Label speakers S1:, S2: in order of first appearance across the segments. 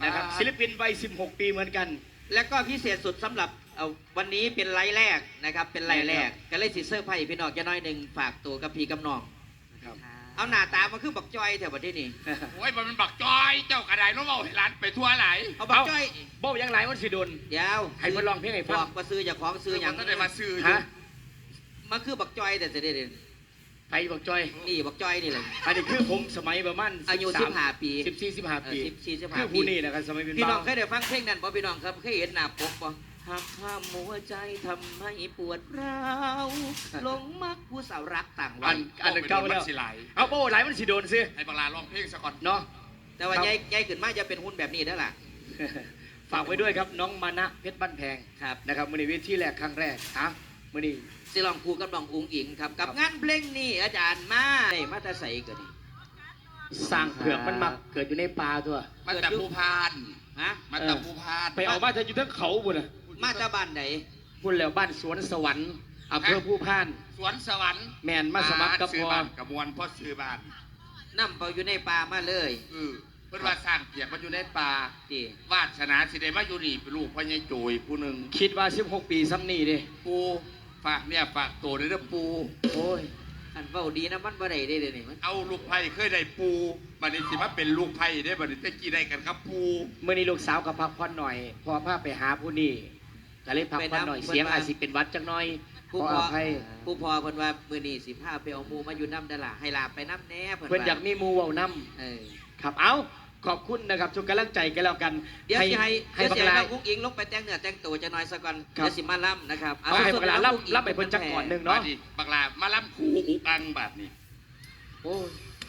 S1: นะครับศิลปินวัย16 ปีเหมือนกัน
S2: และก็พิเศษสุดสำหรับวันนี้เป็นไลฟ์แรกนะครับเป็นไลฟ์แรกก็เลยสิเซอร์ไพรส์พี่น้องจะน้อยหนึ่งฝากตัวกับพี่กับน้องเอาหน้าตามาคือบักจอยแถวประเทศนี้
S3: โอ้ยมันบักจอยเจ้ากระไดน้องเบาให้ร้านไปทั่วไหล
S2: เอาบักจอย
S1: บ่ยังไรมันสิโดน
S2: เดี๋ยว
S1: ให้เพิ่นร้องเพลงให้ฟัง
S2: บอกมาซื้อจากของซื้ออย่าง
S3: นั้นได้มาซื้อ
S1: ฮะ
S2: มาคือบักจอยแต่จะได้
S1: ไปบักจอย
S2: นี่บักจอยนี่เลย
S1: อันนี้คือผมสมัยประมาณ
S2: อายุ15 ปี
S1: 14-15 ปี
S2: 14-15
S1: คือผู้นี้นะครับสมัยเป็น
S2: พี่น้องเคยได้ฟังเพลงนั้นป่ะพี่น้องครับเคยเห็นหน้าปกป่ะหักห้ามหัวใจทำให้ปวดร้าวหลงมักผู้สาวรักต่างวั
S1: นอันเก่าแล้วเอาโป้ไหลมันสิโดนซิ
S3: ให้บังลาร้องเพลงสักก่อน
S1: เนาะ
S2: แต่ว่าใหญ่ขึ้นมากจะเป็นหุ้นแบบนี้ได้ล่ะ
S1: ฝากไว้ด้วยครับน้องมานะเพชรบ้านแพง
S2: ครับ
S1: นะครับมือนี้วิธีแรกครั้งแรกมือนี้
S2: สิลองพูดกับน้องอุ้งอิงครับกับงานเพลงนี้อาจารย์มามาตาใสเกิด
S1: สร้างเผือกมันมักเกิดอยู่ในป่าตัว
S3: มาแต่ภูพานมาแต่ภูพาน
S1: ไปเอามาจะอยู่ทั้งเขาบุญนะ
S2: มาตาบ้านไหน
S1: บุญแล้วบ้านสวนสวรรค์อำเภอภูพาน
S3: สวนสวรรค์
S1: แมนมาสมัครกับพ
S3: อกระมวลพ่อซื้อบ้าน
S2: นั่มเปาอยู่ในป่ามาเลย
S3: เพื่อนว่าสร้างเปียกมาอยู่ในป่าวาสนาสิได้มาอยู่นี่เป็นลูกพ่อใหญ่โจยผู้หนึ่ง
S1: คิดว่า16 ปีซ้ำนี่ดิ
S3: ปูฝากเนี่ยฝากโตในเรื่องปู
S2: โอ้ยอันเบาดีนะมันบ่ได้ได้เลยนี่
S3: เอาลูกไผ่เคยได้ปูบัดนี้สิมาเป็นลูกไผ่ได้บัดนี้ตะกี้ได้กันครับปู
S1: เมื่อนี้ลูกสาวกับพักผ่อนหน่อยพอพาไปหาผู้นี่ก็เลยพักผ่อนหน่อยเสียงอาจสิเป็นวัดจังน้อย
S2: ผู้พอเพิ่นว่ามื้อนี้สิพาไปเอาหมู่มาอยู่น้ำดาล่ะให้ลาไปน้ำแน่
S1: เพิ่นอยากมีหมู่เว้าน้ำครับเอาขอบคุณนะครับทุกกำลังใจกันแล้วกัน
S2: เดี๋ยวให้บักลาอุ้งอิงลงไปแต่งเนื้อแต่งตัวจะน้อยสักก่อนเดี๋ยวสิมาล่ำนะครับ
S1: เอาให้บักลาล่ำไปเพิ่นจักก่อนนึงเนาะ
S3: บักลามาล่ำครูอุกังแบบนี้
S1: โอ้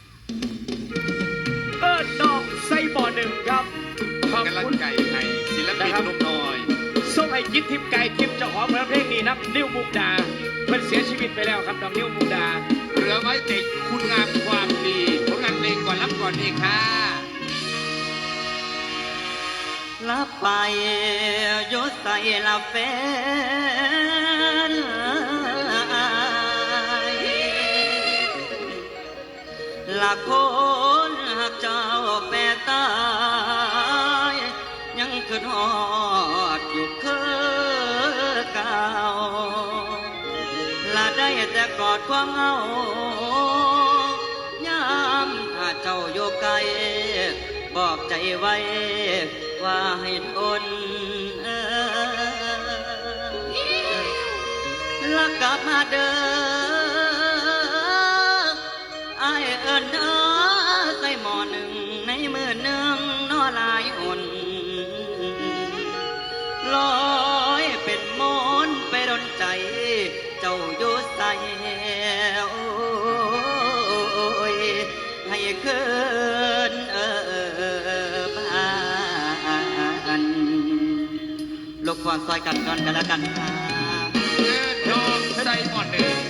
S1: น้องไส้บ่อหนึ่งครับ
S3: ขอบคุณไก่ไทยศิลปินลูกน้อย
S1: ส่งให้คิดทิพย์ไก่ทิพย์เจ้าของเพลงนี้นับนิ้วมุกดาเพิ่นเสียชีวิตไปแล้วครับน้องนิ้วมุกดา
S3: เหลือไว้ติดคุณงามความดีผลงานเพลงก่อนรับก่อนดีค่ะ
S2: ลับไปยศใส่ลับแฟนละคนหักเจ้าแปรตายยังคืนหอดอยู่คือเก่าละได้แต่กอดความเหงายามถ้าเจ้าอยู่ไกลบอกใจไว้ว่าให้ทนแล้วกลับมาเดิมไอเอิญใส่หมอหนึ่งในมือหนึ่งนอลายอ่อนลอยเป็นมนไปดนใจเจ้าอยู่ใส่ให้คืนลูกควานซอยกันก่อนกันแล้วกันครับ
S3: โยมใส่หมอนหนึ่ง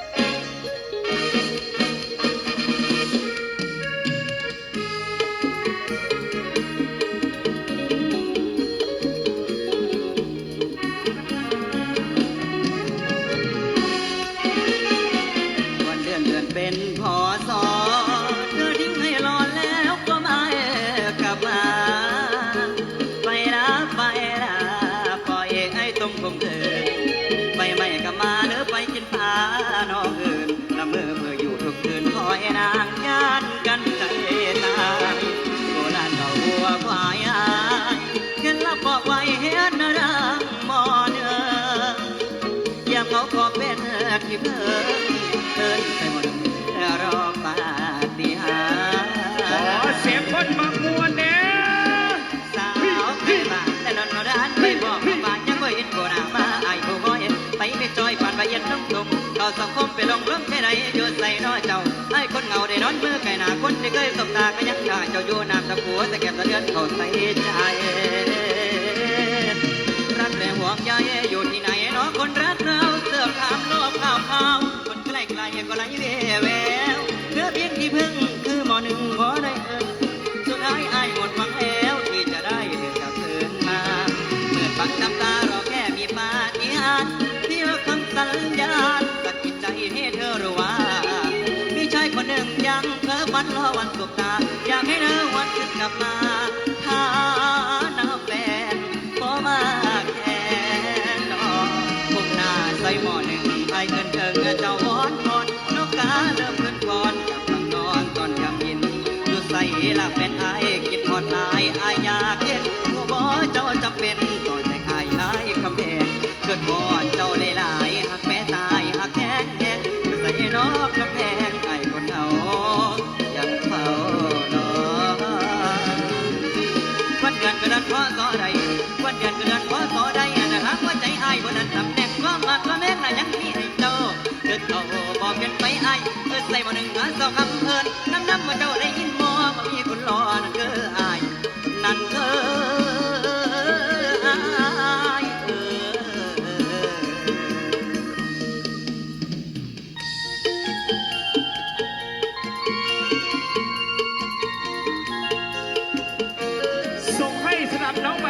S2: วันเดือนเป็นพอสอเธอทิ้งให้รอแล้วก็ไม่กลับมาไปนะไปนะตรงผมเดินไปไม่ก็มาเนื้อไปกินปลาน้องอื่นละเมื่ออยู่ทุกคืนคอยนางย่านกันใจตายโบราณเขาหัวควายเห็นแล้วบอกไว้เห็นรังมอเนื้อยามเขาขอเป็นที่เพิ่งเดินไปหมดรอปาฏิหาริย์
S1: ขอเสียงคนบางมวลเนี่ย
S2: สาวไปบ้านแต่นอนร้านไปบอกบ้านยังไม่เห็นโบราณมาไอ้ผู้บ่อยไปไม่จอยผ่านไปเย็นน้ำตุ่มเขาสังคมไปลงเรื่องแค่ไหนอยู่ใส่น้อยเจ้าไอ้คนเงาได้นอนมือไก่หนาคนที่เคยสบตาก็ยังได้เจ้าอยู่น้ำตะกัวแต่เก็บตะเลือนเขาใส่ใจรักและห่วงใยอยู่ที่ไหนเนาะคนรักเราเสื้อขาวโลกขาวคนใกล้ไกลก็ไหลแววเนื้อเพียงที่พึ่งคือหมอหนึ่งพอได้สุดท้ายไอ้หมดหวังแล้วที่จะได้เดินกลับคืนมาเมื่อฟังน้ำตารอแค่มีปาฏิหาริย์ที่คำสัญญาสะกิดใจให้เธอรู้ว่ามีชายคนหนึ่งยังเพ้อฝันรอวันสบตาอยากให้เธอวันขึ้นกลับมาอายอยากเห็นหัวบ่เจ้าจำเป็นต่อใจอายหลายคำแพงเกิดบ่เจ้าได้หลายหักแม่ตายหักแค้นแค้นใส่นอกกำแพงไอ้คนเอายังเฝ้ารอวันเดือนก็เดือนพอต่อใดวันเดือนก็เดือนพอต่อใดนะฮักว่าใจอายบ่นั้นตำแหน่งความรักความแม่งน่ะยังมีให้เจ้าเกิดเอาบ่เปลี่ยนไปอายใส่บ่หนึ่งหาสองคำเอิ้นน้ำว่าเจ้าได้ยินบ่ว่ามีคนรอนั่นคืออายนั่นคืออาย
S4: ส่งให้สนับน้องใหม่